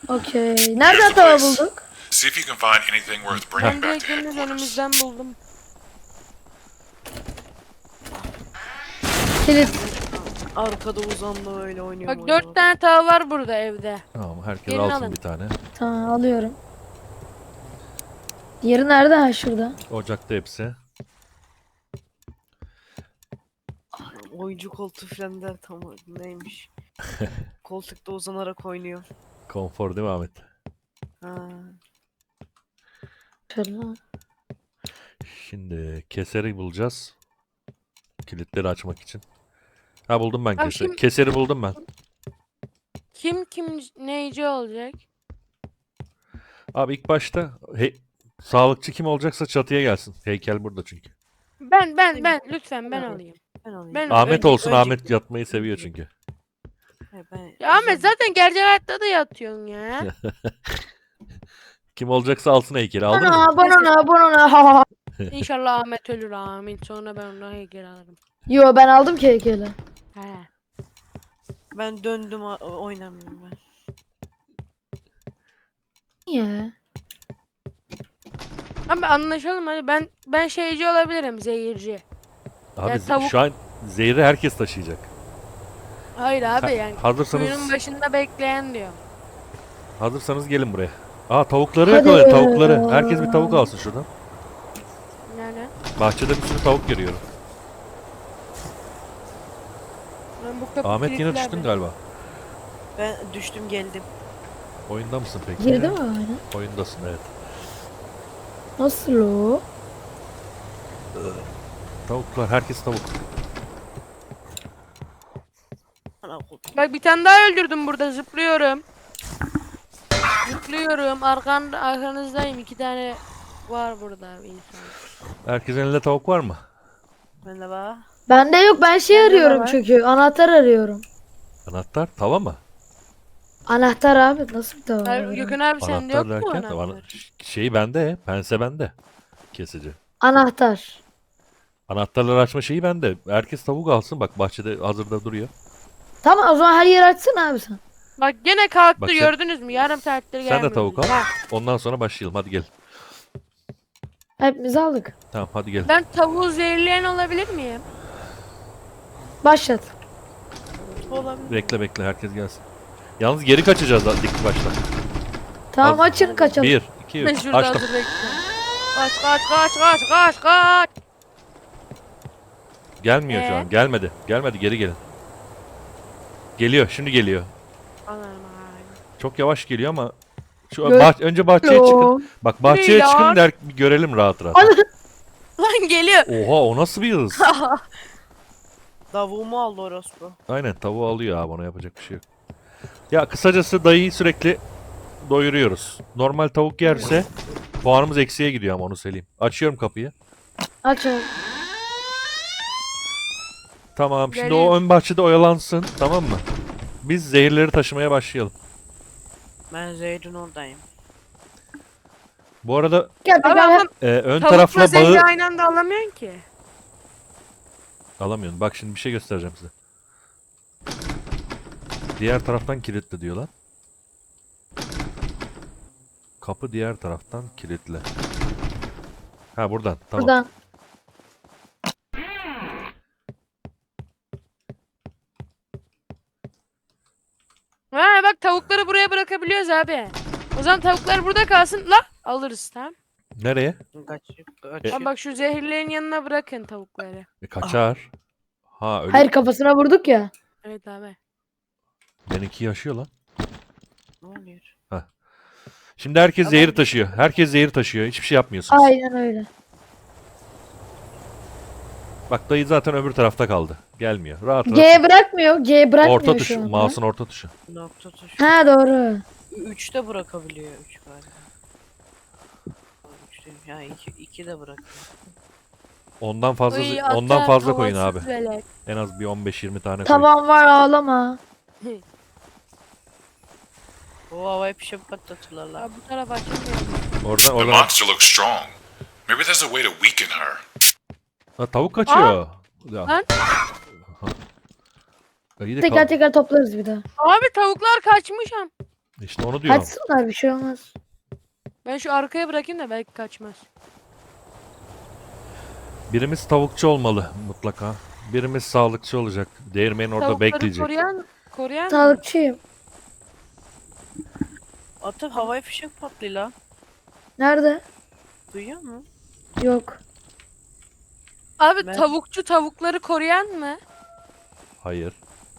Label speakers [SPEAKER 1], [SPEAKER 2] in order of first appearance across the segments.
[SPEAKER 1] Okey. Nereden tava bulduk?
[SPEAKER 2] See if you can find anything worth bringing
[SPEAKER 3] Ben
[SPEAKER 2] back
[SPEAKER 3] direkt
[SPEAKER 2] to
[SPEAKER 3] deniz
[SPEAKER 2] headquarters.
[SPEAKER 3] önümüzden buldum.
[SPEAKER 1] Kilit.
[SPEAKER 4] Arkada uzandı öyle oynuyor.
[SPEAKER 3] Bak 4 tane tava var burada evde.
[SPEAKER 5] Tamam, herkes
[SPEAKER 3] Gelin
[SPEAKER 5] alsın
[SPEAKER 3] alın.
[SPEAKER 5] bir tane.
[SPEAKER 1] Tamam alıyorum. Diğeri nerede? Ha şurada.
[SPEAKER 5] Ocakta hepsi.
[SPEAKER 4] Oyuncu koltuğu falan der tam neymiş. Koltukta uzanarak oynuyor.
[SPEAKER 5] Konfor değil mi Ahmet?
[SPEAKER 4] Ha.
[SPEAKER 1] Şöyle.
[SPEAKER 5] Şimdi keseri bulacağız. Kilitleri açmak için. Ha, buldum ben
[SPEAKER 3] Abi
[SPEAKER 5] keseri.
[SPEAKER 3] şimdi-
[SPEAKER 5] Keseri buldum ben.
[SPEAKER 3] Kim neyci olacak?
[SPEAKER 5] Abi ilk başta sağlıkçı kim olacaksa çatıya gelsin. Heykel burada çünkü.
[SPEAKER 3] Ben lütfen ben
[SPEAKER 4] Ben
[SPEAKER 3] alayım.
[SPEAKER 4] Ben alayım.
[SPEAKER 3] Ben-
[SPEAKER 5] Ahmet
[SPEAKER 3] önce-
[SPEAKER 5] olsun.
[SPEAKER 4] önce-
[SPEAKER 5] Ahmet yatmayı seviyor çünkü.
[SPEAKER 4] He, ben,
[SPEAKER 3] Ya Ahmet zaten gerçek hayatta da yatıyorsun ya.
[SPEAKER 5] Kim olacaksa alsın heykeli. Aldın mı?
[SPEAKER 1] Bana.
[SPEAKER 3] İnşallah Ahmet ölür amin. Sonra ben ondan heykel alırım.
[SPEAKER 1] Yo ben aldım ki heykeli.
[SPEAKER 3] He.
[SPEAKER 4] Ben döndüm oynamıyorum ben.
[SPEAKER 1] Niye?
[SPEAKER 3] Abi anlaşalım hadi ben şeyci olabilirim zehirci.
[SPEAKER 5] Abi
[SPEAKER 3] Ya tavuk-
[SPEAKER 5] şu an zehri herkes taşıyacak.
[SPEAKER 3] Hayır abi yani.
[SPEAKER 5] Hazırsanız
[SPEAKER 3] Kuyunun başında bekleyen diyor.
[SPEAKER 5] hazırsanız gelin buraya. Aa, tavukları
[SPEAKER 1] Hadi.
[SPEAKER 5] yakalayın, tavukları. Herkes bir tavuk alsın şuradan.
[SPEAKER 3] Yani
[SPEAKER 5] Bahçede bir sürü tavuk görüyorum.
[SPEAKER 3] ben bu kapı
[SPEAKER 5] Ahmet yine
[SPEAKER 3] kilitli
[SPEAKER 5] düştün
[SPEAKER 3] abi.
[SPEAKER 5] galiba.
[SPEAKER 4] Ben düştüm geldim.
[SPEAKER 5] Oyunda mısın peki?
[SPEAKER 1] Girdi mi öyle?
[SPEAKER 5] Oyundasın, evet.
[SPEAKER 1] Nasıl o?
[SPEAKER 5] Tavuklar, herkes tavuk.
[SPEAKER 4] Ana koltuk.
[SPEAKER 3] Bak bir tane daha öldürdüm burada zıplıyorum. Zıplıyorum arkanızdayım 2 tane var burada insan.
[SPEAKER 5] Herkesin elinde tavuk var mı?
[SPEAKER 4] Ben de var.
[SPEAKER 1] Bende yok ben şey
[SPEAKER 3] Bende de
[SPEAKER 1] arıyorum
[SPEAKER 3] var.
[SPEAKER 1] çünkü. Anahtar arıyorum.
[SPEAKER 5] Anahtar, tava mı?
[SPEAKER 1] Anahtar abi nasıl bir tava?
[SPEAKER 3] Hayır,
[SPEAKER 1] var?
[SPEAKER 3] Gökhan abi sende
[SPEAKER 5] Anahtar
[SPEAKER 3] yok mu
[SPEAKER 5] derken
[SPEAKER 3] anahtar?
[SPEAKER 5] şeyi bende, pense bende. Kesici.
[SPEAKER 1] Anahtar.
[SPEAKER 5] Anahtarları açma şeyi bende. Herkes tavuk alsın. Bak bahçede hazırda duruyor.
[SPEAKER 1] Tamam o zaman her yeri açsın abi sen.
[SPEAKER 3] Bak gene kalktı
[SPEAKER 5] Bak sen-
[SPEAKER 3] gördünüz mü? Yarım saattir gelmiyor.
[SPEAKER 5] Sen de tavuk al.
[SPEAKER 3] Ha,
[SPEAKER 5] Ondan sonra başlayalım. Hadi gel.
[SPEAKER 1] Hepimiz aldık.
[SPEAKER 5] Tamam, hadi gel.
[SPEAKER 3] ben tavuğu zehirleyen olabilir miyim?
[SPEAKER 1] Başlat.
[SPEAKER 4] Olabilir.
[SPEAKER 5] Bekle herkes gelsin. Yalnız geri kaçacağız dik başta.
[SPEAKER 1] Tamam
[SPEAKER 5] Az-
[SPEAKER 1] açın kaçalım.
[SPEAKER 5] 1, 2,
[SPEAKER 3] Ben
[SPEAKER 5] 3.
[SPEAKER 3] şurada
[SPEAKER 5] Açtım.
[SPEAKER 3] hazır bekliyorum. Kaç.
[SPEAKER 5] Gelmiyor şu an. Gelmedi. Gelmedi. Geri gelin. Geliyor. Şimdi geliyor.
[SPEAKER 3] Anam abi.
[SPEAKER 5] Çok yavaş geliyor ama şu
[SPEAKER 1] Gö-
[SPEAKER 5] önce bahçeye çıkın. Bak bahçeye
[SPEAKER 3] Değil
[SPEAKER 5] çıkın
[SPEAKER 3] ya.
[SPEAKER 5] der bir görelim rahat rahat.
[SPEAKER 3] Lan geliyor.
[SPEAKER 5] Oha, o nasıl bir hız?
[SPEAKER 4] Davuğumu aldı orospu.
[SPEAKER 5] Aynen, tavuğu alıyor abi, ona yapacak bir şey yok. Ya kısacası dayıyı sürekli doyuruyoruz. Normal tavuk yerse puanımız eksiye gidiyor ama onu söyleyeyim. Açıyorum kapıyı.
[SPEAKER 1] Aç abi.
[SPEAKER 5] Tamam, şimdi
[SPEAKER 3] Geleyim.
[SPEAKER 5] o ön bahçede oyalansın, tamam mı? Biz zehirleri taşımaya başlayalım.
[SPEAKER 4] Ben Zeyd'in oradayım.
[SPEAKER 5] Bu arada
[SPEAKER 1] Gel
[SPEAKER 3] Abi
[SPEAKER 1] gel.
[SPEAKER 3] ama
[SPEAKER 5] ön
[SPEAKER 3] tavukla
[SPEAKER 5] tarafla
[SPEAKER 3] zehri
[SPEAKER 5] bağı
[SPEAKER 3] aynı anda alamıyorsun ki.
[SPEAKER 5] alamıyorum. Bak şimdi bir şey göstereceğim size. Diğer taraftan kilitli diyorlar. Kapı diğer taraftan kilitli. Ha, buradan. Tamam.
[SPEAKER 1] Buradan.
[SPEAKER 3] Ha bak tavukları buraya bırakabiliyoruz abi. O zaman tavuklar burada kalsın. La alırız tamam.
[SPEAKER 5] Nereye?
[SPEAKER 4] Kaç.
[SPEAKER 3] Abi bak şu zehirlerin yanına bırakın tavukları.
[SPEAKER 5] Kaçar. Ha, öyle.
[SPEAKER 1] Hayır kafasına vurduk ya.
[SPEAKER 3] Evet abi.
[SPEAKER 5] Benimki yaşıyor lan.
[SPEAKER 4] Ne oluyor?
[SPEAKER 5] Şimdi herkes
[SPEAKER 4] Ama-
[SPEAKER 5] zehir taşıyor. Herkes zehir taşıyor. Hiçbir şey yapmıyorsunuz.
[SPEAKER 1] Aynen öyle.
[SPEAKER 5] Bak dayı zaten öbür tarafta kaldı. Gelmiyor. Rahat rahat.
[SPEAKER 1] G bırakmıyor. G bırakmıyor
[SPEAKER 5] Orta
[SPEAKER 1] şu
[SPEAKER 5] tuş.
[SPEAKER 1] anda.
[SPEAKER 5] Mouse'un orta tuşu.
[SPEAKER 4] Nokta tuş.
[SPEAKER 1] Ha doğru.
[SPEAKER 4] 3'te bırakabiliyor 3 galiba. 3'te ya 2 de bırakıyor.
[SPEAKER 5] Ondan fazla
[SPEAKER 3] Uy,
[SPEAKER 5] ondan
[SPEAKER 3] ata
[SPEAKER 5] fazla koyun abi.
[SPEAKER 3] tavasız velet.
[SPEAKER 5] En az bir 15-20 tane koyun.
[SPEAKER 1] Tamam var ağlama.
[SPEAKER 4] O havaya bir şey patlatırlar lan.
[SPEAKER 3] Abi bu tarafa açılmıyor.
[SPEAKER 5] Oradan
[SPEAKER 2] The
[SPEAKER 5] oradan.
[SPEAKER 2] monster looks strong. Maybe there's a way to weaken her.
[SPEAKER 5] Ha, tavuk kaçıyor. Ya.
[SPEAKER 3] Lan.
[SPEAKER 5] İyi de
[SPEAKER 1] Tekrar tekrar toplarız bir daha.
[SPEAKER 3] Abi tavuklar kaçmış am.
[SPEAKER 5] İşte onu diyorum.
[SPEAKER 1] Kaçsınlar bir şey olmaz.
[SPEAKER 3] Ben şu arkaya bırakayım da belki kaçmaz.
[SPEAKER 5] Birimiz tavukçu olmalı mutlaka. Birimiz sağlıkçı olacak. Değirmenin orada
[SPEAKER 3] Tavukları
[SPEAKER 5] bekleyecek.
[SPEAKER 3] koruyan mı?
[SPEAKER 1] Sağlıkçıyım.
[SPEAKER 4] Atı havai fişek patlıyor la.
[SPEAKER 1] Nerede?
[SPEAKER 4] Duyuyor musun?
[SPEAKER 1] Yok.
[SPEAKER 3] Abi
[SPEAKER 4] Ben-
[SPEAKER 3] tavukçu tavukları koruyan mı?
[SPEAKER 5] Hayır.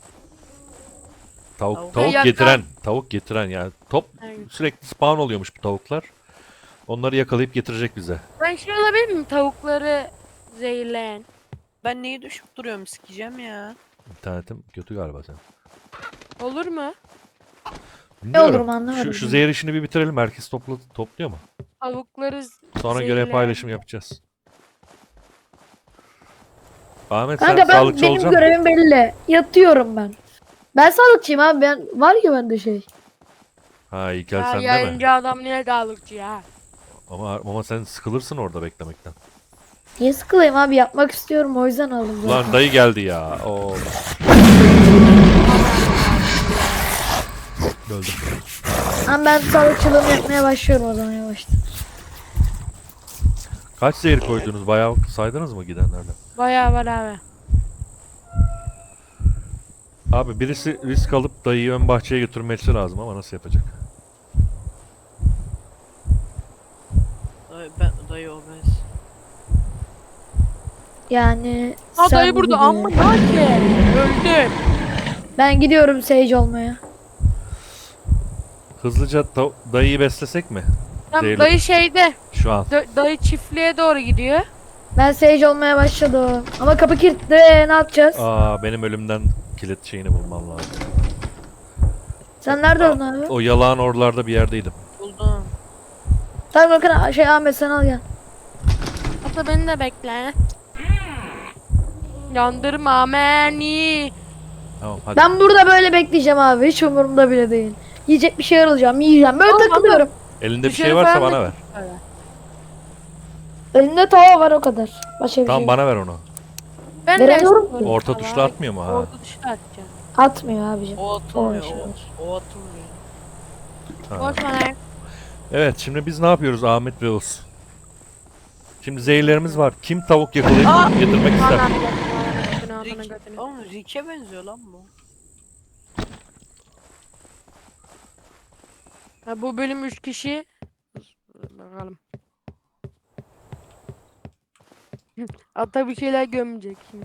[SPEAKER 4] Tavuk-
[SPEAKER 5] Tavuk
[SPEAKER 3] Yakar.
[SPEAKER 5] getiren, tavuk getiren yani
[SPEAKER 3] Evet.
[SPEAKER 5] sürekli spawn oluyormuş bu tavuklar. Onları yakalayıp getirecek bize.
[SPEAKER 3] Ben şey olabilir miyim? Tavukları zehirleyen.
[SPEAKER 4] Ben neyi düşüp duruyorum, sikeceğim ya.
[SPEAKER 5] İnternetim kötü galiba senin.
[SPEAKER 3] Olur mu?
[SPEAKER 5] Bilmiyorum.
[SPEAKER 1] olurum anlamadım
[SPEAKER 5] Şu
[SPEAKER 1] ben.
[SPEAKER 5] zehir işini bir bitirelim. Herkes topluyor mu?
[SPEAKER 3] Tavukları
[SPEAKER 5] Sonra görev
[SPEAKER 3] zehirleyen.
[SPEAKER 5] paylaşım yapacağız. Ahmet
[SPEAKER 1] Kanka
[SPEAKER 5] sen
[SPEAKER 1] ben
[SPEAKER 5] sağlıkçı
[SPEAKER 1] benim
[SPEAKER 5] olacaksın mı?
[SPEAKER 1] görevim belli. Yatıyorum ben. Ben sağlıkçıyım abi. Var ya bende şey.
[SPEAKER 5] Ha İlkel
[SPEAKER 3] Ya
[SPEAKER 5] sen de mi?
[SPEAKER 3] yayıncı adam niye sağlıkçı ya?
[SPEAKER 5] Ama sen sıkılırsın orada beklemekten.
[SPEAKER 1] Niye sıkılayım abi? Yapmak istiyorum. O yüzden aldım zaten.
[SPEAKER 5] Ulan dayı geldi ya. Oo. Öldüm.
[SPEAKER 1] Ama ben sağlıkçılığımı yapmaya başlıyorum o zaman yavaştan.
[SPEAKER 5] Kaç zehir koydunuz? Bayağı saydınız mı gidenlerden?
[SPEAKER 3] Bayağı var abi.
[SPEAKER 5] Abi birisi risk alıp dayıyı ön bahçeye götürmesi lazım ama nasıl yapacak?
[SPEAKER 4] Dayı obez.
[SPEAKER 1] Yani
[SPEAKER 3] Ha
[SPEAKER 1] sen
[SPEAKER 3] dayı burada
[SPEAKER 1] gibi.
[SPEAKER 3] amma ne ki? Öldüm.
[SPEAKER 1] Ben gidiyorum Sage olmaya.
[SPEAKER 5] Hızlıca dayıyı beslesek mi?
[SPEAKER 3] Tam
[SPEAKER 5] Zehirli.
[SPEAKER 3] dayı şeyde.
[SPEAKER 5] Şu an.
[SPEAKER 3] Dayı çiftliğe doğru gidiyor.
[SPEAKER 1] Ben Sage olmaya başladım. Ama kapı kilitli. Ne yapacağız?
[SPEAKER 5] Aa benim ölümden kilit şeyini bulmam lazım.
[SPEAKER 1] Sen nerede oldun abi?
[SPEAKER 5] O yalağın oralarda bir yerdeydim.
[SPEAKER 4] Buldum.
[SPEAKER 1] Tamam bakın şey Ahmet sen al gel.
[SPEAKER 3] Hatta beni de bekle. Yandırma beni.
[SPEAKER 5] Tamam hadi.
[SPEAKER 1] Ben burada böyle bekleyeceğim abi. Hiç umurumda bile değil. Yiyecek bir şeyler alacağım. Yiyeceğim. Böyle
[SPEAKER 3] Tamam,
[SPEAKER 1] takılıyorum.
[SPEAKER 5] Elinde bir
[SPEAKER 3] Dışarı
[SPEAKER 5] şey varsa
[SPEAKER 3] falan
[SPEAKER 5] bana
[SPEAKER 3] da-
[SPEAKER 5] ver.
[SPEAKER 1] Elinde tava var o kadar. Başka bir
[SPEAKER 5] Tamam
[SPEAKER 1] şey.
[SPEAKER 5] bana ver onu.
[SPEAKER 3] Ben
[SPEAKER 1] Veremiyorum
[SPEAKER 3] de
[SPEAKER 1] ki.
[SPEAKER 5] Orta tuşla atmıyor mu ha?
[SPEAKER 3] Orta tuşla atacağım.
[SPEAKER 1] Atmıyor abicim.
[SPEAKER 4] O atılmıyor.
[SPEAKER 1] O şey var.
[SPEAKER 4] O atılmıyor.
[SPEAKER 5] Ha.
[SPEAKER 3] Boş ver.
[SPEAKER 5] Evet şimdi biz ne yapıyoruz Ahmet ve Oğuz? Şimdi zehirlerimiz var. Kim tavuk yakalayıp getirmek ister?
[SPEAKER 3] Ananı götünü, ananı
[SPEAKER 4] Rick,
[SPEAKER 3] götünü.
[SPEAKER 4] oğlum Rick'e benziyor lan bu.
[SPEAKER 3] Ha, bu bölüm 3 kişi. Bakalım. Ata bir şeyler gömecek şimdi.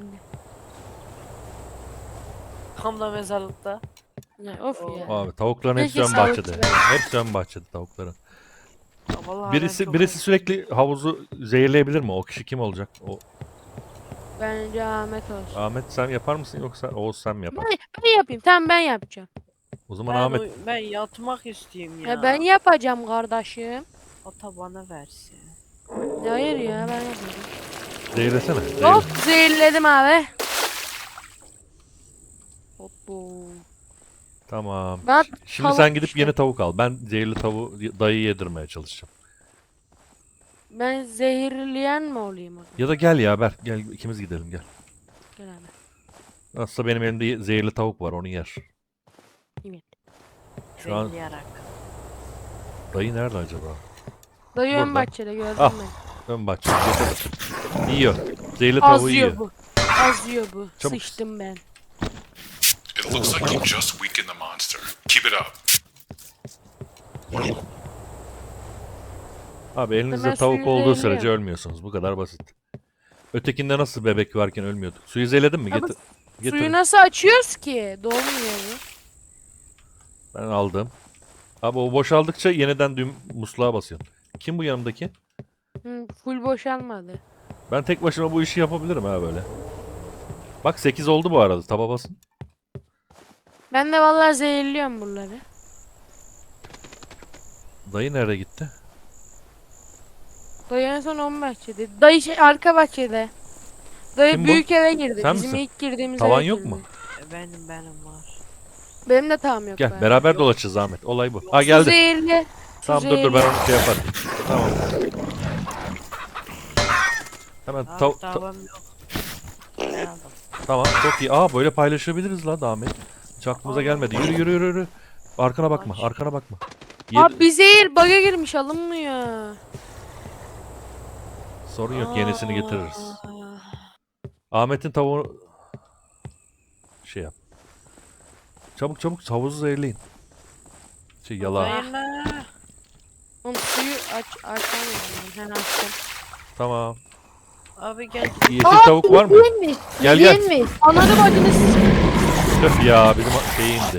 [SPEAKER 4] Tam da mezarlıkta.
[SPEAKER 3] Ya of ya.
[SPEAKER 5] Abi tavukların hepsi
[SPEAKER 3] Peki,
[SPEAKER 5] ön bahçede.
[SPEAKER 3] sağlıkçı.
[SPEAKER 5] Hepsi ön bahçede tavukların.
[SPEAKER 4] Ya vallahi ben
[SPEAKER 5] Birisi
[SPEAKER 4] çok
[SPEAKER 5] birisi sürekli havuzu zehirleyebilir mi? O kişi kim olacak? O
[SPEAKER 3] Bence Ahmet olsun.
[SPEAKER 5] Ahmet sen yapar mısın yoksa Oğuz sen mi yapar?
[SPEAKER 3] Ben yapayım. Tamam ben yapacağım.
[SPEAKER 5] O zaman
[SPEAKER 4] ben,
[SPEAKER 5] Ahmet
[SPEAKER 4] ben yatmak istiyorum ya.
[SPEAKER 3] Ya ben yapacağım kardeşim.
[SPEAKER 4] Ata bana versin.
[SPEAKER 3] Hayır ya ben yapacağım.
[SPEAKER 5] zehirlesene.
[SPEAKER 3] Hop zehirledim abi. Hoppo.
[SPEAKER 5] Tamam.
[SPEAKER 3] Ben
[SPEAKER 5] Şimdi sen
[SPEAKER 3] tavuk
[SPEAKER 5] gidip
[SPEAKER 3] işte.
[SPEAKER 5] yeni tavuk al. Ben zehirli tavuğu dayı yedirmeye çalışacağım.
[SPEAKER 3] Ben zehirleyen mi olayım orada?
[SPEAKER 5] Ya da gel ya Berk gel ikimiz gidelim gel.
[SPEAKER 3] Gel abi.
[SPEAKER 5] Aslında benim elimde zehirli tavuk var onu yer.
[SPEAKER 3] Evet.
[SPEAKER 5] Şu an
[SPEAKER 4] Zehirleyerek.
[SPEAKER 5] dayı nerede acaba?
[SPEAKER 3] Dayı ön
[SPEAKER 5] Burada.
[SPEAKER 3] bahçede gördüm
[SPEAKER 5] Ah.
[SPEAKER 3] ben.
[SPEAKER 5] Ön bahçe. Yiyor. Zehirli
[SPEAKER 3] Az
[SPEAKER 5] tavuğu
[SPEAKER 3] yiyor
[SPEAKER 5] yiyor.
[SPEAKER 3] bu. Az yiyor bu.
[SPEAKER 5] Çabuk.
[SPEAKER 3] Sıçtım ben.
[SPEAKER 2] It looks like you just weakened the monster. Keep it up.
[SPEAKER 5] Abi elinizde
[SPEAKER 3] Ben
[SPEAKER 5] tavuk
[SPEAKER 3] suyu
[SPEAKER 5] olduğu sürece
[SPEAKER 3] zehirliyorum.
[SPEAKER 5] ölmüyorsunuz. Bu kadar basit. Ötekinde nasıl bebek varken ölmüyorduk? Suyu zehirledin mi?
[SPEAKER 3] Ama
[SPEAKER 5] Getir.
[SPEAKER 3] Suyu nasıl açıyoruz ki? Dolmuyor bu.
[SPEAKER 5] Ben aldım. Abi o boşaldıkça yeniden musluğa basıyorsun. Kim bu yanımdaki?
[SPEAKER 3] Hı, full boşalmadı.
[SPEAKER 5] Ben tek başıma bu işi yapabilirim ha böyle. Bak 8 oldu bu arada. Taba basın.
[SPEAKER 3] Ben de vallahi zehirliyorum buraları.
[SPEAKER 5] Dayı nereye gitti?
[SPEAKER 3] Dayı en son 10 bahçede. Dayı arka bahçede. Dayı
[SPEAKER 5] Kim bu?
[SPEAKER 3] büyük eve girdi.
[SPEAKER 5] Sen
[SPEAKER 3] Bizim
[SPEAKER 5] misin?
[SPEAKER 3] ilk girdiğimiz
[SPEAKER 5] Tavan
[SPEAKER 3] eve
[SPEAKER 5] yok
[SPEAKER 3] girdi.
[SPEAKER 5] mu?
[SPEAKER 4] Benim var.
[SPEAKER 3] Benim de tamam yok.
[SPEAKER 5] Gel
[SPEAKER 3] bari.
[SPEAKER 5] beraber dolaşacağız Ahmet. Olay bu. Ha
[SPEAKER 3] Su
[SPEAKER 5] geldi.
[SPEAKER 3] zehirli. Su
[SPEAKER 5] Tamam dur ben
[SPEAKER 3] zehirli.
[SPEAKER 5] onu şey yaparım. Tamam. Hemen
[SPEAKER 4] Davam yok. Ne aldım?
[SPEAKER 5] tamam çok iyi. Aa böyle paylaşabiliriz la Ahmet. Hiç aklımıza gelmedi. Yürü. Arkana bakma.
[SPEAKER 4] Aç.
[SPEAKER 5] Arkana bakma.
[SPEAKER 3] Abi bir zehir bug'a girmiş alınmıyor.
[SPEAKER 5] Sorun yok. Yenisini getiririz.
[SPEAKER 4] Aa,
[SPEAKER 5] Ahmet'in tavuğu şey yap. Çabuk çabuk havuzu zehirleyin. Yala.
[SPEAKER 4] zehirle.
[SPEAKER 3] Oğlum suyu açamıyorum ben. Hemen açtım.
[SPEAKER 5] Tamam.
[SPEAKER 4] Abi gel.
[SPEAKER 5] Yeşil tavuk var mı?
[SPEAKER 1] Yediğinmiş.
[SPEAKER 5] Gel, gel.
[SPEAKER 1] Yediğinmiş.
[SPEAKER 3] Ananı bacını
[SPEAKER 5] Tüh ya bizim şey indi.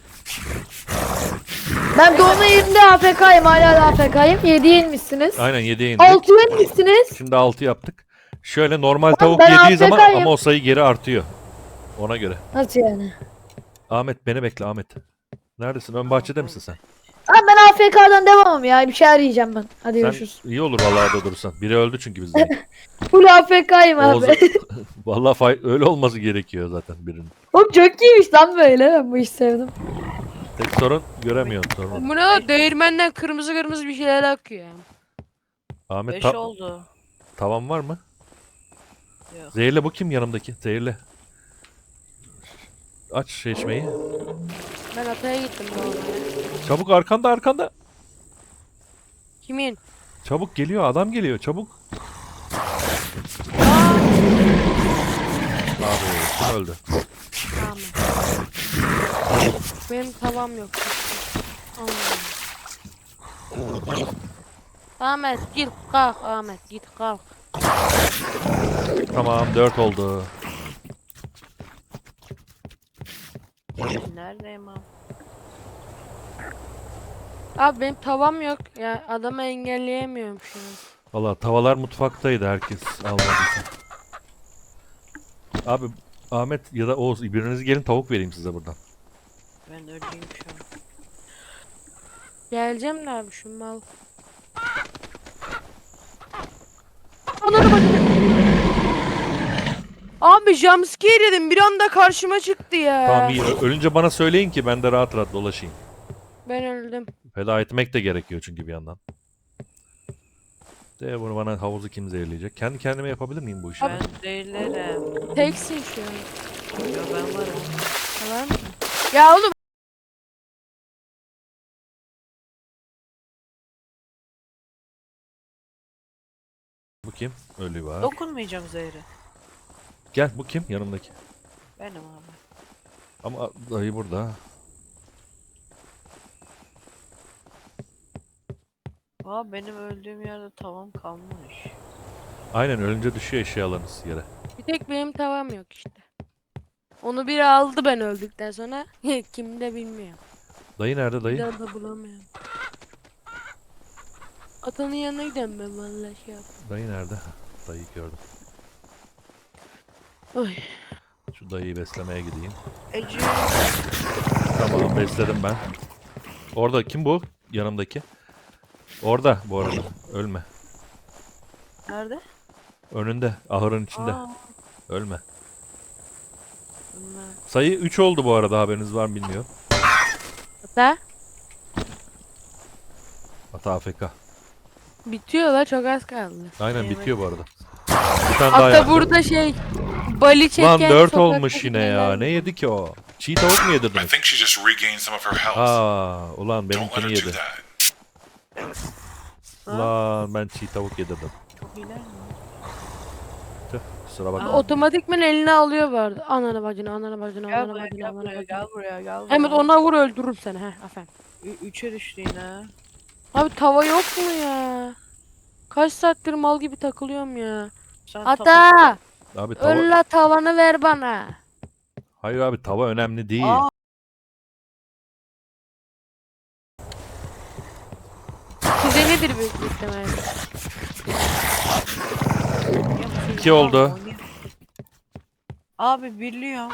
[SPEAKER 1] Ben doğma yerinde AFK'yım. Hala da AFK'yım. 7'ye inmişsiniz.
[SPEAKER 5] Aynen 7'ye indi.
[SPEAKER 1] 6'ya inmişsiniz.
[SPEAKER 5] Şimdi 6 yaptık. Şöyle normal
[SPEAKER 1] Oğlum
[SPEAKER 5] tavuk
[SPEAKER 1] ben
[SPEAKER 5] yediği zaman
[SPEAKER 1] AFK'yim.
[SPEAKER 5] ama o sayı geri artıyor. Ona göre.
[SPEAKER 1] Nasıl yani?
[SPEAKER 5] Ahmet beni bekle Ahmet. Neredesin? Ön bahçede misin sen?
[SPEAKER 1] Abi ben AFK'dan devamım ya. Bir şeyler yiyeceğim ben. Hadi
[SPEAKER 5] Sen
[SPEAKER 1] görüşürüz.
[SPEAKER 5] iyi olur vallahi orada durursan. Biri öldü çünkü bizden.
[SPEAKER 1] Full AFK'yım
[SPEAKER 5] Oğuz...
[SPEAKER 1] abi.
[SPEAKER 5] vallahi öyle olması gerekiyor zaten birinin.
[SPEAKER 1] Oğlum çok iyiymiş lan böyle. Ben bu işi sevdim.
[SPEAKER 5] Tek sorun göremiyorsun sorun.
[SPEAKER 3] Bu ne lan? Değirmenden kırmızı kırmızı bir şeyler akıyor.
[SPEAKER 5] Ahmet
[SPEAKER 4] 5
[SPEAKER 5] ta-
[SPEAKER 4] oldu.
[SPEAKER 5] tavan var mı?
[SPEAKER 4] Yok.
[SPEAKER 5] Zehirle bu kim yanımdaki? Zehirle. Aç çeşmeyi.
[SPEAKER 3] Ben ataya gittim doğmaya.
[SPEAKER 5] Çabuk arkanda arkanda.
[SPEAKER 3] Kimin?
[SPEAKER 5] Çabuk geliyor adam geliyor çabuk. Abi kim öldü?
[SPEAKER 3] Tamam. Benim tavam yok. Anladım. Ahmet git kalk Ahmet git kalk.
[SPEAKER 5] Tamam 4 oldu.
[SPEAKER 4] Neredeyim abi?
[SPEAKER 3] Abi benim tavam yok. Ya adamı engelleyemiyorum şu an.
[SPEAKER 5] Valla tavalar mutfaktaydı herkes almadıysa. Abi Ahmet ya da Oğuz biriniz gelin tavuk vereyim size buradan.
[SPEAKER 4] Ben öleyim şu an.
[SPEAKER 3] Geleceğim de abi şu mal. Ananı bacını. Abi jumpscare yedim bir anda karşıma çıktı ya.
[SPEAKER 5] Tamam iyi ölünce bana söyleyin ki ben de rahat rahat dolaşayım.
[SPEAKER 3] Ben öldüm.
[SPEAKER 5] Feda etmek de gerekiyor çünkü bir yandan. De bunu bana havuzu kim zehirleyecek? Kendi kendime yapabilir miyim bu işi?
[SPEAKER 4] Ben değillerim.
[SPEAKER 3] Teksin şu an.
[SPEAKER 4] Yo ben varım.
[SPEAKER 3] Tamam mı? Ya oğlum.
[SPEAKER 5] Bu kim? Ölü var.
[SPEAKER 4] Dokunmayacağım zehri.
[SPEAKER 5] Gel bu kim? Yanımdaki.
[SPEAKER 4] Benim abi.
[SPEAKER 5] Ama dayı burada.
[SPEAKER 4] Aa benim öldüğüm yerde tavam kalmış.
[SPEAKER 5] Aynen ölünce düşüyor eşyalarınız yere.
[SPEAKER 3] Bir tek benim tavam yok işte. Onu biri aldı ben öldükten sonra. Kim de bilmiyorum.
[SPEAKER 5] Dayı nerede
[SPEAKER 3] Bir
[SPEAKER 5] dayı?
[SPEAKER 3] daha da bulamıyorum. Atanın yanına gidelim ben vallahi şey yap.
[SPEAKER 5] Dayı nerede? Dayıyı gördüm.
[SPEAKER 3] Oy.
[SPEAKER 5] Şu dayıyı beslemeye gideyim.
[SPEAKER 4] Ece.
[SPEAKER 5] Tamam besledim ben. Orada kim bu? Yanımdaki. Orada bu arada. Ölme.
[SPEAKER 4] Nerede?
[SPEAKER 5] Önünde. Ahırın içinde.
[SPEAKER 4] Aa,
[SPEAKER 5] Ölme.
[SPEAKER 4] bunlar.
[SPEAKER 5] Sayı 3 oldu bu arada haberiniz var mı bilmiyorum.
[SPEAKER 3] Ata.
[SPEAKER 5] Ata AFK.
[SPEAKER 3] Bitiyor la çok az kaldı.
[SPEAKER 5] Aynen
[SPEAKER 4] Evet.
[SPEAKER 5] bitiyor bu arada. Bir tane daha
[SPEAKER 3] Hatta
[SPEAKER 5] yaptım.
[SPEAKER 3] burada şey bali çeken
[SPEAKER 5] Lan 4
[SPEAKER 3] sokakta
[SPEAKER 5] olmuş yine ya.
[SPEAKER 3] şeyler-
[SPEAKER 5] Ne yedi ki o? Çiğ tavuk mu
[SPEAKER 2] I
[SPEAKER 5] yedirdiniz?
[SPEAKER 2] think she just regained some of her health.
[SPEAKER 5] Aa, ulan
[SPEAKER 2] Don't let
[SPEAKER 5] benimkini
[SPEAKER 2] her do
[SPEAKER 5] yedi.
[SPEAKER 2] that.
[SPEAKER 5] Ulan ben çiğ tavuk yedirdim.
[SPEAKER 4] Çok iyiler mi?
[SPEAKER 5] Tüh, kusura bakma.
[SPEAKER 4] Aa.
[SPEAKER 3] Otomatikman eline alıyor vardı. Ananı bacını, ananı bacını,
[SPEAKER 4] Gel
[SPEAKER 3] ananı
[SPEAKER 4] buraya
[SPEAKER 3] bacını,
[SPEAKER 4] gel
[SPEAKER 3] ananı
[SPEAKER 4] buraya
[SPEAKER 3] bacını.
[SPEAKER 4] gel buraya gel buraya.
[SPEAKER 3] Hemen ona vur öldürürüm seni. Heh aferin.
[SPEAKER 4] 3'e düştü yine.
[SPEAKER 3] Abi tava yok mu ya? Kaç saattir mal gibi takılıyorum ya.
[SPEAKER 4] Sen
[SPEAKER 3] Ata!
[SPEAKER 5] Abi tava...
[SPEAKER 3] Öl la tavanı ver bana.
[SPEAKER 5] Hayır abi tava önemli değil.
[SPEAKER 4] Aa.
[SPEAKER 3] Size nedir büyük ihtimalle?
[SPEAKER 5] 2 oldu.
[SPEAKER 4] Abi birliyor.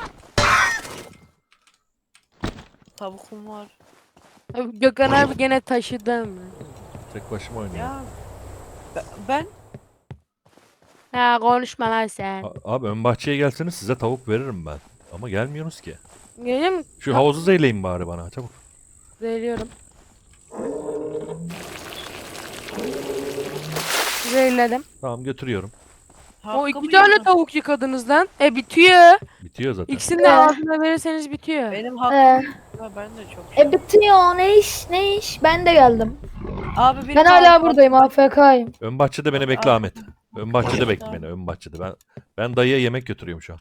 [SPEAKER 4] Tavukum var.
[SPEAKER 3] Abi Gökhan abi gene taşıdı mı?
[SPEAKER 5] Tek başıma oynuyorum.
[SPEAKER 4] Ya ben
[SPEAKER 3] Ha konuşma lan sen.
[SPEAKER 5] Abi ön bahçeye gelseniz size tavuk veririm ben. Ama gelmiyorsunuz ki.
[SPEAKER 3] Geliyor mu?
[SPEAKER 5] Şu havuzu zeyleyin bari bana çabuk.
[SPEAKER 3] Zehirliyorum. Zehirledim.
[SPEAKER 5] Tamam götürüyorum.
[SPEAKER 3] O
[SPEAKER 4] hakkımı
[SPEAKER 3] 2 tane
[SPEAKER 4] yedim.
[SPEAKER 3] tavuk yıkadınız lan. Bitiyor.
[SPEAKER 5] Bitiyor zaten.
[SPEAKER 3] İkisini de ağzına verirseniz bitiyor.
[SPEAKER 4] Benim hakkım. Ya ben de çok
[SPEAKER 1] bitiyor ne iş ne iş? Ben de geldim.
[SPEAKER 4] Abi bir
[SPEAKER 1] Ben hala buradayım AFK'yim.
[SPEAKER 5] Ön bahçede beni bekle
[SPEAKER 4] Abi.
[SPEAKER 5] Ahmet. Ön bahçede bekle beni. Ön bahçede. Ben dayıya yemek götürüyorum şu an.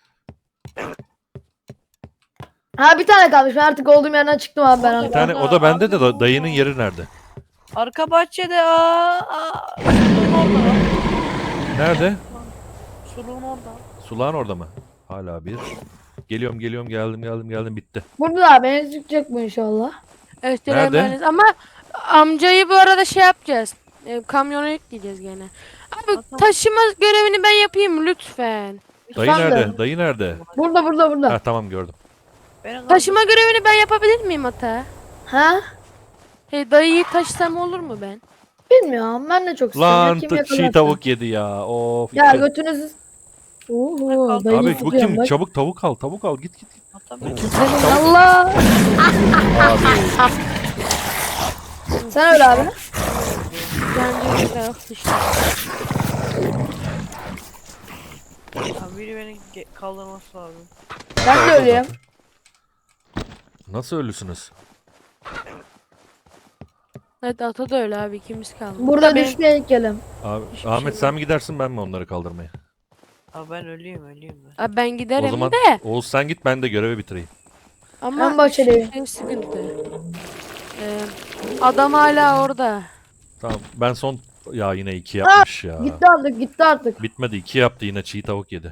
[SPEAKER 1] Ha bir tane kalmış. Ben artık olduğum yerden çıktım abi ben.
[SPEAKER 5] Bir tane o da bende de dayının yeri nerede?
[SPEAKER 4] Arka bahçede suluğun orada.
[SPEAKER 5] Nerede?
[SPEAKER 4] Suluğun orada.
[SPEAKER 5] Sulağın orada mı? Hala bir. Geliyorum geldim bitti.
[SPEAKER 1] Burada abi beni çıkacak bu inşallah.
[SPEAKER 3] Evet,
[SPEAKER 5] Nerede?
[SPEAKER 3] emanet. Ama amcayı bu arada şey yapacağız. Kamyona yükleyeceğiz gene. Abi taşıma görevini ben yapayım mı lütfen?
[SPEAKER 5] Dayı
[SPEAKER 1] Sen de.
[SPEAKER 5] nerede? Dayı nerede?
[SPEAKER 1] Burada.
[SPEAKER 5] Ha tamam gördüm.
[SPEAKER 3] Taşıma görevini ben yapabilir miyim ata?
[SPEAKER 1] Ha?
[SPEAKER 3] Dayıyı taşısam olur mu ben?
[SPEAKER 1] Bilmiyorum. Ben de çok istiyorum.
[SPEAKER 5] Lan
[SPEAKER 1] Kim
[SPEAKER 5] çiğ
[SPEAKER 1] yakalarsa.
[SPEAKER 5] tavuk yedi ya. Of.
[SPEAKER 1] Ya
[SPEAKER 5] iki-
[SPEAKER 1] götünüzü... Oho dayı
[SPEAKER 5] Abi bu
[SPEAKER 1] tutuyorum
[SPEAKER 5] kim?
[SPEAKER 1] bak.
[SPEAKER 5] Çabuk tavuk al. Tavuk al. Git.
[SPEAKER 1] Allah.
[SPEAKER 5] Abi.
[SPEAKER 1] Sen öyle abi.
[SPEAKER 3] Bence de yok işte.
[SPEAKER 4] Abi biri beni kaldırması lazım.
[SPEAKER 1] Ben de öyleyim.
[SPEAKER 5] Nasıl ölüsünüz?
[SPEAKER 3] Evet ata da öyle abi ikimiz kaldı.
[SPEAKER 1] Burada
[SPEAKER 3] Tabii.
[SPEAKER 1] düşme heykelim.
[SPEAKER 5] Abi
[SPEAKER 3] Hiçbir
[SPEAKER 5] Ahmet
[SPEAKER 3] şey
[SPEAKER 5] sen mi gidersin ben mi onları kaldırmaya?
[SPEAKER 4] Abi ben öleyim ben.
[SPEAKER 3] Abi ben giderim
[SPEAKER 5] O zaman
[SPEAKER 3] de.
[SPEAKER 5] Oğuz sen git ben de görevi bitireyim.
[SPEAKER 3] Ama
[SPEAKER 1] Ben bahçedeyim.
[SPEAKER 3] şey sıkıntı. Adam hala orada.
[SPEAKER 5] Tamam ben son ya yine 2 yapmış ya.
[SPEAKER 1] Gitti artık.
[SPEAKER 5] Bitmedi 2 yaptı yine çiğ tavuk yedi.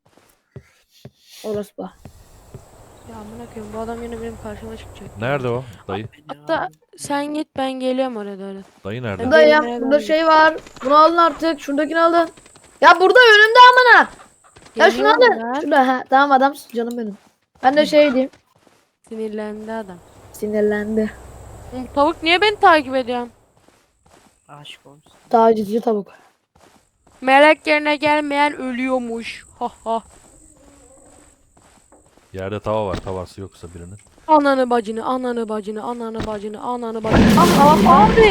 [SPEAKER 1] Orası bak.
[SPEAKER 3] Ya amına koyayım bu adam yine benim karşıma çıkacak.
[SPEAKER 5] Nerede o dayı?
[SPEAKER 3] Hatta sen git ben geliyorum oraya doğru.
[SPEAKER 5] Dayı nerede?
[SPEAKER 3] Ben-
[SPEAKER 1] Burada ya
[SPEAKER 3] Benim
[SPEAKER 1] burada
[SPEAKER 3] nereden
[SPEAKER 1] şey var. Bunu alın artık. Şuradakini alın. Ya burada önümde amına. Ya şunu
[SPEAKER 3] Geliyorum
[SPEAKER 1] alın.
[SPEAKER 3] lan.
[SPEAKER 1] Şurada ha. Tamam adam canım benim. Ben de şey diyeyim.
[SPEAKER 3] Sinirlendi adam.
[SPEAKER 1] Sinirlendi.
[SPEAKER 3] Bu tavuk niye beni takip ediyor?
[SPEAKER 4] Aşık olmuşsun.
[SPEAKER 1] Tacizci tavuk.
[SPEAKER 3] Melek yerine gelmeyen ölüyormuş. Ha ha.
[SPEAKER 5] Yerde tava var. Tavası yoksa birinin.
[SPEAKER 3] Ananı bacını, ananı bacını, ananı bacını, ananı bacını. Abi.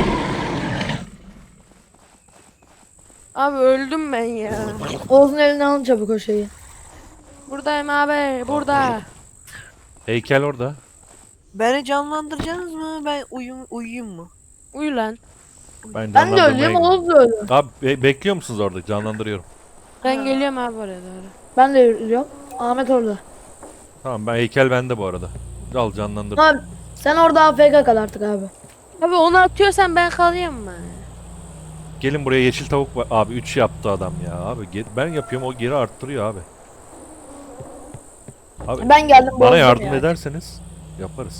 [SPEAKER 3] Abi öldüm ben ya.
[SPEAKER 1] Oğuz'un eline alın çabuk o şeyi.
[SPEAKER 3] Buradayım abi, burada.
[SPEAKER 5] Heykel orada.
[SPEAKER 4] Beni canlandıracaksınız mı? Ben uyuyayım mı?
[SPEAKER 3] Uyu lan.
[SPEAKER 5] Ben
[SPEAKER 1] Ben de
[SPEAKER 5] canlandırmaya
[SPEAKER 1] ölüyüm
[SPEAKER 5] gidiyorum.
[SPEAKER 1] Oğuz da ölü.
[SPEAKER 5] Abi bekliyor musunuz orada? Canlandırıyorum.
[SPEAKER 3] Ben
[SPEAKER 4] Ha.
[SPEAKER 3] geliyorum abi oraya doğru.
[SPEAKER 1] Ben de ölüyorum. Ahmet orada.
[SPEAKER 5] Tamam ben heykel bende bu arada. Al canlandır.
[SPEAKER 1] Abi sen orada AFK kal artık abi.
[SPEAKER 3] Abi onu atıyorsan ben kalayım mı?
[SPEAKER 5] Gelin buraya yeşil tavuk var. Abi 3 yaptı adam ya. Abi ben yapıyorum o geri arttırıyor abi. Abi
[SPEAKER 1] Ben geldim.
[SPEAKER 5] bana
[SPEAKER 1] bozdum
[SPEAKER 5] yardım
[SPEAKER 1] ya.
[SPEAKER 5] ederseniz yaparız.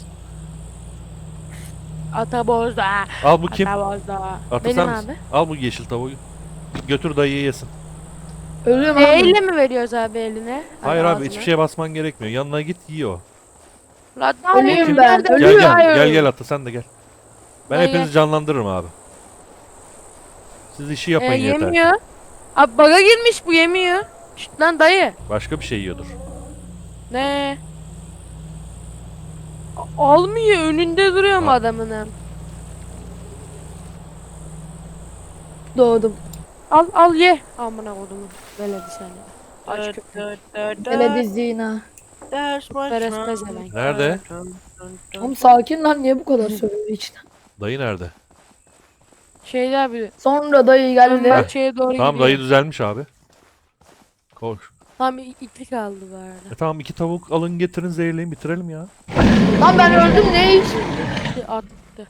[SPEAKER 3] Ata bozda.
[SPEAKER 5] Al bu kim?
[SPEAKER 3] Ata bozda.
[SPEAKER 5] Ata
[SPEAKER 3] Benim
[SPEAKER 5] sen
[SPEAKER 3] abi.
[SPEAKER 5] misin? Al bu yeşil tavuğu. Götür dayıyı yesin.
[SPEAKER 1] Ölüyorum abi.
[SPEAKER 3] Elle mi veriyoruz abi eline?
[SPEAKER 5] Hayır abi
[SPEAKER 3] ağzına.
[SPEAKER 5] hiçbir şeye basman gerekmiyor. Yanına git yiyor.
[SPEAKER 3] Lan
[SPEAKER 1] Ölüyorum
[SPEAKER 3] abi,
[SPEAKER 1] ben,
[SPEAKER 3] nerede?
[SPEAKER 5] Gel
[SPEAKER 1] ölüyorum.
[SPEAKER 5] gel Ata sen de gel. Ben
[SPEAKER 3] Gel,
[SPEAKER 5] hepinizi
[SPEAKER 3] gel.
[SPEAKER 5] canlandırırım abi. Siz işi yapın yeter.
[SPEAKER 3] Yemiyor. Abi baga girmiş bu yemiyor. Şşt lan dayı.
[SPEAKER 5] Başka bir şey yiyordur.
[SPEAKER 3] Ne? Almıyor önünde duruyor mu
[SPEAKER 5] Ha.
[SPEAKER 3] adamın?
[SPEAKER 1] Doğdum.
[SPEAKER 3] Al ye. Amına kodumu. Veledi seni. Aç köpek.
[SPEAKER 1] Ele dizdiğine.
[SPEAKER 3] Beres pezevenk.
[SPEAKER 5] Nerede?
[SPEAKER 1] Oğlum sakin lan niye bu kadar söylüyor içten.
[SPEAKER 5] Dayı nerede?
[SPEAKER 3] Şeyde abi.
[SPEAKER 1] Sonra dayı
[SPEAKER 3] Ön
[SPEAKER 1] geldi.
[SPEAKER 3] bahçeye doğru
[SPEAKER 5] Tamam
[SPEAKER 3] gidiyor.
[SPEAKER 5] dayı düzelmiş abi. Koş.
[SPEAKER 3] Tam ikli kaldı bu arada.
[SPEAKER 5] Tamam 2 tavuk alın getirin zehirleyin bitirelim ya.
[SPEAKER 1] Lan ben öldüm ne iş?
[SPEAKER 3] Attı.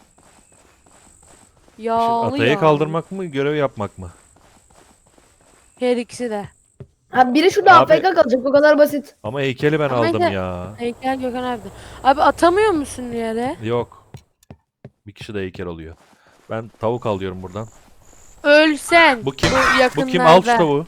[SPEAKER 5] Şimdi
[SPEAKER 3] Yağlı
[SPEAKER 5] atayı
[SPEAKER 3] yağlı.
[SPEAKER 5] kaldırmak mı görev yapmak mı?
[SPEAKER 3] Her ikisi de.
[SPEAKER 1] Ha biri şurada
[SPEAKER 5] Abi-
[SPEAKER 1] AFK kalacak o kadar basit.
[SPEAKER 5] Ama heykeli ben
[SPEAKER 3] Ama
[SPEAKER 5] aldım
[SPEAKER 3] ne-
[SPEAKER 5] ya.
[SPEAKER 3] Heykel Gökhan abi. Abi atamıyor musun yere?
[SPEAKER 5] Yok. Bir kişi de heykel oluyor. Ben tavuk alıyorum buradan.
[SPEAKER 3] Ölsen.
[SPEAKER 5] Bu kim?
[SPEAKER 3] yakınlarda.
[SPEAKER 5] Bu kim? Al şu tavuğu.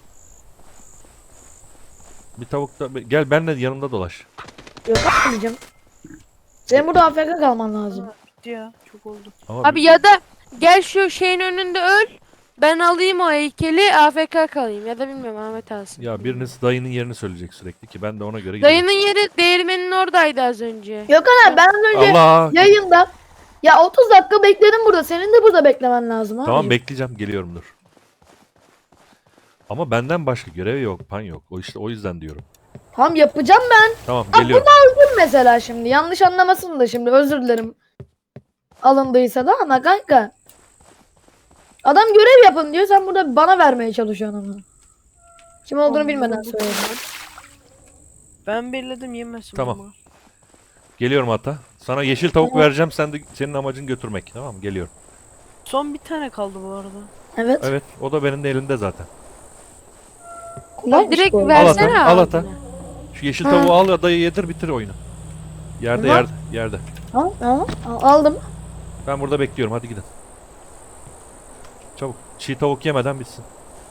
[SPEAKER 5] Bir tavuk da gel benle yanımda dolaş.
[SPEAKER 1] Yok atmayacağım. Senin burada AFK kalman lazım.
[SPEAKER 4] Bitti ya. Çok oldu.
[SPEAKER 5] Ama
[SPEAKER 3] Abi ya da gel şu şeyin önünde öl. Ben alayım o heykeli AFK kalayım ya da bilmiyorum Ahmet alsın.
[SPEAKER 5] ya biriniz dayının yerini söyleyecek sürekli ki ben de ona göre gideyim.
[SPEAKER 3] Dayının yeri değirmenin oradaydı az önce.
[SPEAKER 1] Gökhan abi ben az önce
[SPEAKER 5] Allah.
[SPEAKER 1] yayında ya 30 dakika bekledim burada. Senin de burada beklemen lazım abi.
[SPEAKER 5] Tamam bekleyeceğim geliyorum dur. Ama benden başka görev yok, pan yok. O işte o yüzden diyorum.
[SPEAKER 1] Tamam yapacağım ben.
[SPEAKER 5] Tamam
[SPEAKER 1] Bak
[SPEAKER 5] geliyorum.
[SPEAKER 1] bunu aldım mesela şimdi. Yanlış anlamasın da şimdi özür dilerim. Alındıysa da ama kanka. Adam görev yapın diyor. Sen burada bana vermeye çalışıyorsun ama. Kim olduğunu bilmeden söylüyorum.
[SPEAKER 4] Ben belirledim yemesin
[SPEAKER 5] Tamam.
[SPEAKER 4] bunlar.
[SPEAKER 5] Geliyorum hatta. Sana yeşil tavuk
[SPEAKER 1] Tamam.
[SPEAKER 5] vereceğim. Senin amacın götürmek. Tamam mı? Geliyorum.
[SPEAKER 4] Son bir tane kaldı bu arada.
[SPEAKER 1] Evet.
[SPEAKER 5] Evet. O da benim de elinde zaten.
[SPEAKER 1] Kolaymış
[SPEAKER 3] Direkt
[SPEAKER 1] bu arada.
[SPEAKER 5] Al
[SPEAKER 3] versene
[SPEAKER 5] ata, al
[SPEAKER 3] abi.
[SPEAKER 5] ata. Şu yeşil
[SPEAKER 1] Ha.
[SPEAKER 5] tavuğu al ya dayı yedir bitir oyunu. Yerde
[SPEAKER 1] Tamam.
[SPEAKER 5] yerde.
[SPEAKER 1] Aldım.
[SPEAKER 5] Ben burada bekliyorum. Hadi gidin. Çabuk. Çiğ tavuk yemeden bitsin.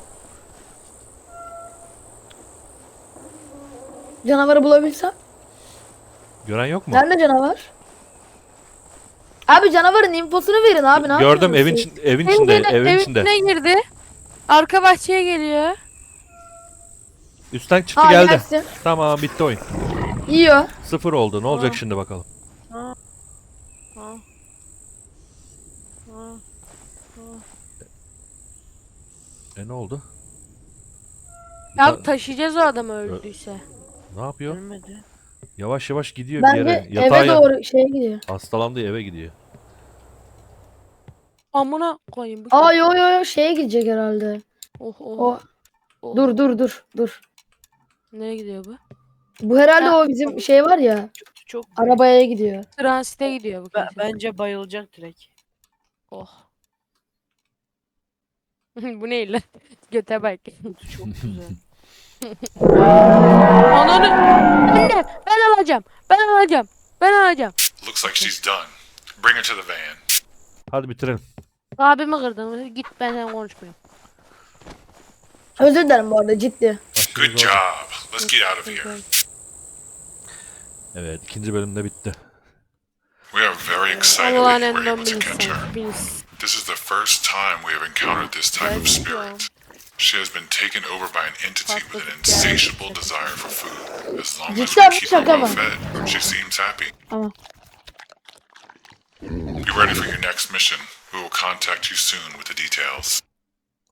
[SPEAKER 1] Canavarı bulabilsem.
[SPEAKER 5] Gören yok mu?
[SPEAKER 1] Nerede canavar? Abi canavarın infosunu verin abi ne
[SPEAKER 5] Gördüm
[SPEAKER 1] yapıyorsunuz siz?
[SPEAKER 5] evin içinde, evin
[SPEAKER 3] Evin
[SPEAKER 5] içinde.
[SPEAKER 3] içine girdi. Arka bahçeye geliyor.
[SPEAKER 5] Üstten çıktı
[SPEAKER 1] Aa,
[SPEAKER 5] geldi.
[SPEAKER 1] gelsin.
[SPEAKER 5] Tamam bitti oyun.
[SPEAKER 1] Yiyor.
[SPEAKER 5] 0 oldu. Ne olacak
[SPEAKER 4] Ha.
[SPEAKER 5] şimdi bakalım.
[SPEAKER 4] Ha. Ha. Ha.
[SPEAKER 5] Ne oldu?
[SPEAKER 3] Ya taşıyacağız o adamı öldüyse.
[SPEAKER 5] Ne yapıyor?
[SPEAKER 4] Ölmedi.
[SPEAKER 5] Yavaş yavaş gidiyor bir
[SPEAKER 1] Bence
[SPEAKER 5] yere.
[SPEAKER 1] eve doğru şeye gidiyor.
[SPEAKER 5] Hastalandı eve gidiyor.
[SPEAKER 3] Amına koyayım. Bu
[SPEAKER 1] Aa yo şeye gidecek herhalde.
[SPEAKER 3] Oh oh.
[SPEAKER 1] O
[SPEAKER 3] oh.
[SPEAKER 1] dur.
[SPEAKER 3] Nereye gidiyor bu?
[SPEAKER 1] Bu herhalde
[SPEAKER 3] Ya.
[SPEAKER 1] o bizim şey var ya.
[SPEAKER 4] Çok
[SPEAKER 1] Arabaya gidiyor.
[SPEAKER 3] Transite gidiyor bu. kesin.
[SPEAKER 4] bence bayılacak direkt.
[SPEAKER 3] Oh. Bu ne lan? Göte bak.
[SPEAKER 4] Çok güzel.
[SPEAKER 3] Ananı. Anne ben alacağım. Ben alacağım.
[SPEAKER 2] Looks like she's done. Bring her to the van.
[SPEAKER 5] Hadi bitirelim.
[SPEAKER 3] Abimi kırdın. Git ben seninle konuşmuyorum.
[SPEAKER 1] Özür dilerim bu arada ciddi.
[SPEAKER 2] Good job. Let's get out of here.
[SPEAKER 5] Evet ikinci bölümde bitti.
[SPEAKER 2] We are very excited
[SPEAKER 3] Allah'ın
[SPEAKER 2] that you were
[SPEAKER 3] elinden
[SPEAKER 2] able to catch her.
[SPEAKER 3] bilsin.
[SPEAKER 2] This is the first time we have encountered this type of spirit. She has been taken over by an entity with an insatiable desire for food. As long as we
[SPEAKER 1] Cidden
[SPEAKER 2] keep her
[SPEAKER 1] şaka
[SPEAKER 2] well
[SPEAKER 1] mı?
[SPEAKER 2] fed, she seems happy.
[SPEAKER 1] Tamam.
[SPEAKER 2] Be ready for your next mission. We will contact you soon with the details.